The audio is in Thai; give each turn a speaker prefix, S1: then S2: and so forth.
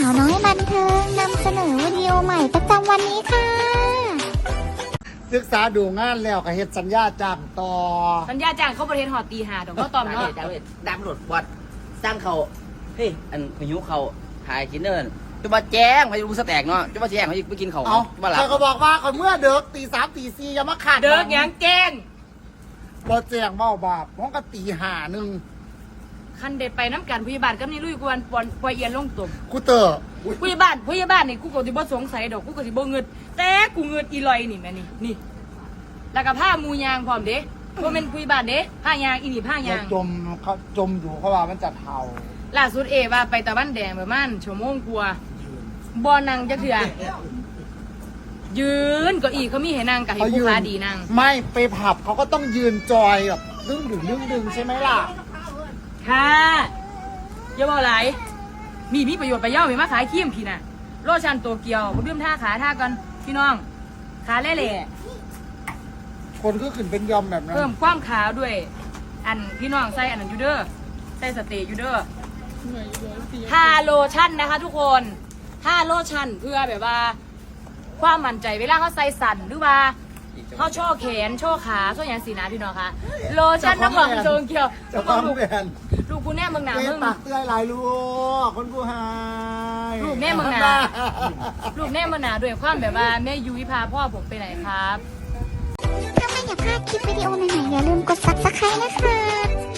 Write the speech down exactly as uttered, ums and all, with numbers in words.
S1: าวน้อยบันเทิงนำเสนอวิดีโอใหม่ประจำวันนี้ค่ะ
S2: ศึกษาดูงานแล้วก็เฮ็ดสัญญาจ้างต่อ
S3: สัญญาจ้างเขาประเทศหอดตีหาดอกเขาตอมเนาะ
S4: ดาวดาวหลดวัดสร้างเขาเฮ้ยอันพายุเขาถ่ายกินเนินจะมาแจ้งพายุสแตกเนาะจะมาแจ้งเขาไปกินเขา
S2: เอา
S4: มาหลับ
S2: ใครก็บอกว่าเขาเมื่อเด็กตีสามตีสี่อย่ามาขาด
S3: เดิกยังแกล้ง
S2: บ่แจ้งเมาบาปพ้องก็ตีห้าหนึ่ง
S3: คันเด็ไปน้ำกันพยาบาลก็นี่ลุยกวนปอนปอยเอียนลงตุ่ม
S2: กูเตอร์
S3: พยาบาลพยาบาลนี่กูก็สิบ่สงสัยดอกกูก็สิบ่เงิดแต่กูเงิดอีลอยนี่แม่นี่นี่แล้วก็ผ้ามูยางพร้อมเด้บ่แม่นพยาบาลเด้ผ้ายางอีนี่ผ้ายาง
S2: จมเขาจมอยู่เขาว่ามันจะเทา
S3: ล่าสุดเอว่าไปตะวันแดงประมาณชั่วโมงกว่าบ่นั่งจักเทื่อยืนเก็อีเขามีให้นั่งกับให้ผู้ค้าดีนั่ง
S2: ไม่ไปผับเขาก็ต้องยืนจอยแบบดึงดึงดึงดึงใช่ไหมล่ะ
S3: ค่ะอย่าบอกหลายมีมีประโยชน์ไปเย่ามีมาขายครีมพี่น่ะโลชั่นโตเกียวผมดื่มท่าขาท่ากันพี่น้องขาเล่ๆ
S2: คนก็ขึ้นเป็นยอมแบบนั้น
S3: เพิ่มความขาวด้วย อันพี่น้องใส่อันนั้นยูเดอร์ใส่สเตย์ยูเดอร์ทาโลชั่นนะคะทุกคนทาโลชั่นเพื่อแบบว่า ความมั่นใจเวลาเขาใส่สั่นหรือว่าเขาโชว์แขนโชว์ขาโชว์อย่างสีนะพี่น้องคะโลชั่นน้ำหอมโจงเกียว
S2: จะความแบน
S3: ลูกกูแน่มึงหนา
S2: เล่
S3: มึ
S2: น
S3: ง
S2: ปากเตื้อยลายลูกคนผู้หาย
S3: ลูกแม่มึงหนาลูกแน่มึงหนาด้วยความแบบว่าแม่ยุ้ยพาพ่อผมไปไหนครับ
S1: ถ้าไม่อยากพลาดคลิปวิดีโอใหม่ๆอย่าลืมกด ซับสไครบ์ นะคะ